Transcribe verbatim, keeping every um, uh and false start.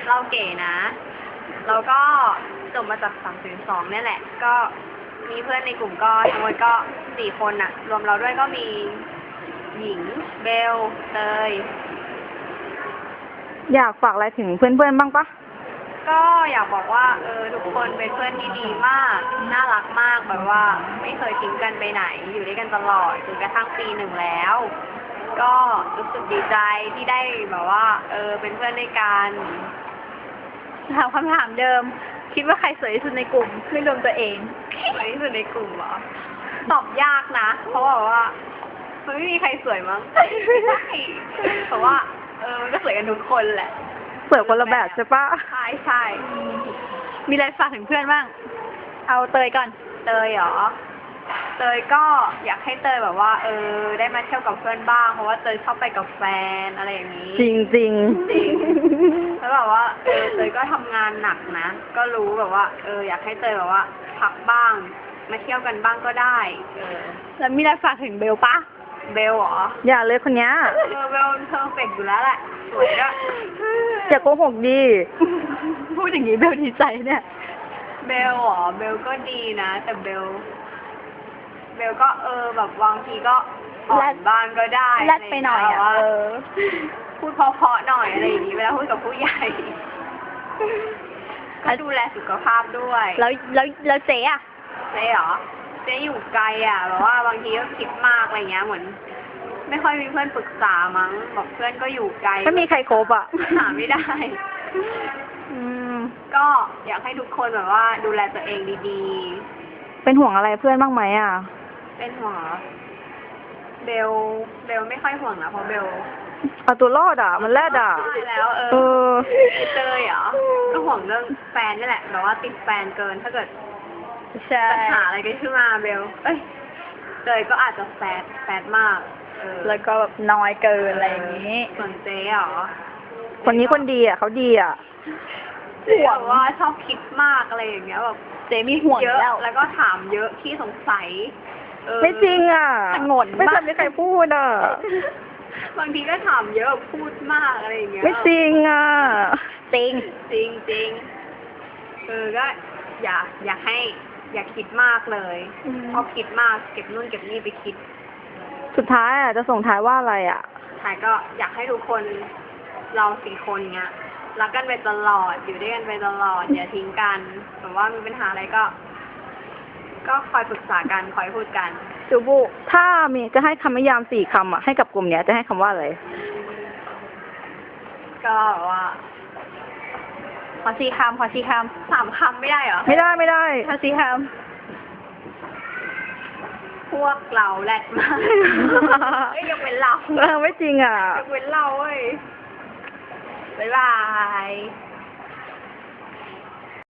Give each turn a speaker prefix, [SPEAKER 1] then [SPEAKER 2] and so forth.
[SPEAKER 1] เราเก๋นะ เราก็จบมาจากสามศูนย์สองเนี่ยแหละ ก็มีเพื่อนในกลุ่มก็ทั้งหมดก็สี่คนอะรวมเราด้วยก็มีหญิงเบลเตย
[SPEAKER 2] อยากฝากอะไรถึงเพื่อนๆบ้างปะ
[SPEAKER 1] ก็อยากบอกว่าเออทุกคนเป็นเพื่อนที่ดีมาก น่ารักมากแบบว่าไม่เคยทิ้งกันไปไหน อยู่ด้วยกันตลอดจนกระทั่งปีหนึ่งแล้ว ก็รู้สึกดีใจที่ได้แบบว่า เออเป็นเพื่อนด้วยกันถามคำถามเดิม คิดว่าใครสวยที่สุดในกลุ่มไม่รวมตัวเองสวยที่สุดในกลุ่มเหรอตอบยากนะ เพราะว่ามันไม่มีใครสวยมั้งไม่ใช่เพราะว่า เออมันก็สวยกันทุกคนแหละ
[SPEAKER 2] สวยคนละแบบใช่ปะ
[SPEAKER 1] ใช่ใช่มีอะไรฝากถึงเพื่อนบ้าง เอาเตยก่อน เตยเหรอ เตยก็อยากให้เตยแบบว่า เออ ได้มาเที่ยวกับเพื่อนบ้าง เพราะว่าเตยชอบไปกับแฟนอะไรอย่างนี้
[SPEAKER 2] จริงจริง
[SPEAKER 1] จริง แล้วแบบว่า เออ เตยก็ทำงานหนักนะ ก็รู้แบบว่า เออ อยากให้เตยแบบว่าพักบ้าง มาเที่ยวกันบ้างก็ได้ เออ แล้วมีอะไรฝากถึงเบลปะ เบลเหรอ
[SPEAKER 2] อย่าเลยคนเนี้ย
[SPEAKER 1] เออ เบลเพอร์เฟกต์อยู่แล้วแหละ สวยด้วย
[SPEAKER 2] อย่าโกหกดี
[SPEAKER 1] พูดอย่างนี้เบลดีใจเนี่ย เบลเหรอ เบลก็ดีนะ แต่เบล เบลก็เออแบบบางทีก็อ่อนบ้างก็ได้
[SPEAKER 2] แรดไปหน่อยอ่ะ
[SPEAKER 1] ว่า
[SPEAKER 2] เออ
[SPEAKER 1] พูดเพราะๆหน่อยอะไรอย่างนี้เวลาพูดกับผู้ใหญ่ ก็ดูแลสุขภาพด้วย
[SPEAKER 2] แล้วแล้วแล้วเจ๊อะ
[SPEAKER 1] เจ๊เหรอ เจ๊อยู่ไกลอ่ะแบบว่าบางทีก็คิดมากอะไรเงี้ยเหมือน ไม่ค่อยมีเพื่อนปรึกษามั้งบอกเพื่อนก็อยู่ไกล
[SPEAKER 2] ไม่มีใครครบอ่ะ
[SPEAKER 1] หาไม่ได้
[SPEAKER 2] อืม
[SPEAKER 1] ก็อยากให้ทุกคนแบบว่าดูแลตัวเองดี
[SPEAKER 2] เป็นห่วงอะไรเพื่อนบ้างไหมอ่ะ
[SPEAKER 1] ๆ เป็นห่วงเหรอเบล เบลไม่ค่อยห่วงนะเพราะเบล
[SPEAKER 2] เอาตัวรอดอ่ะ มันแรดอ่ะ
[SPEAKER 1] ใช่แล้วเอ
[SPEAKER 2] เอ
[SPEAKER 1] อ
[SPEAKER 2] อ
[SPEAKER 1] เตยเหรอ ก็ห่วงเรื่องแฟนนี่แหละแบบว่าติดแฟนเกินถ้าเกิด
[SPEAKER 2] ใช่
[SPEAKER 1] ปัญหาอะไรกันขึ้นมาเบล เอ้ยเตยก็อาจจะแฟดแฟดมาก เออ
[SPEAKER 2] แล้วก็แบบน้อยเกินอะไรอย่างนี้
[SPEAKER 1] ส่วนเจ๊เหรอ
[SPEAKER 2] คนนี้คนดีอ่ะเขาดีอ่ะ
[SPEAKER 1] เจ๊แบบว่าชอบคิดมากอะไรอย่างเงี้ยแบบ
[SPEAKER 2] เจ๊มีห่วง
[SPEAKER 1] เยอะ
[SPEAKER 2] แล้ว
[SPEAKER 1] แล้วก็ถามเยอะขี้สงสัยเออ
[SPEAKER 2] ไม่จริงอ่ะ
[SPEAKER 1] งน
[SPEAKER 2] ไม่
[SPEAKER 1] มาก
[SPEAKER 2] ทำให้ใครพูดอ่ะ
[SPEAKER 1] บางทีก็ถามเยอะพูดมากอะไรอย่างเงี้ย
[SPEAKER 2] ไม่จริงอ่ะ จริง
[SPEAKER 1] จริงจริงเออก็อย่าอย่าให้ อย่าคิดมากเลย
[SPEAKER 2] อืม
[SPEAKER 1] เพราะคิดมากเก็บนู่นเก็บนี่ไปคิด
[SPEAKER 2] สุดท้ายอ่ะจะส่งท้ายว่าอะไรอ่ะ
[SPEAKER 1] ท้ายก็อยากให้ทุกคนเราสี่คนเงี้ยรักกันไปตลอดอยู่ด้วยกันไปตลอด อย่าทิ้งกันแบบว่ามีปัญหาอะไรก็ ก็คอยปรึกษากันคอยพูดกัน
[SPEAKER 2] จูบุ ถ้ามีจะให้คำนิยามสี่คำอ่ะให้กับกลุ่มเนี้ยจะให้คำว่าอะไร
[SPEAKER 1] ก็แบบว่า
[SPEAKER 2] ขอสี่คำขอสี่ค
[SPEAKER 1] สามคำไม่ได้เหรอ
[SPEAKER 2] ำไม่ได้ไม่ได้
[SPEAKER 1] ขอสี่คำพวกเราแรดมากเอ้ยยกเว้นเรา
[SPEAKER 2] เออไม่จริงอ่ะ
[SPEAKER 1] ยกเว้นเราเว้ยบ๊ายบาย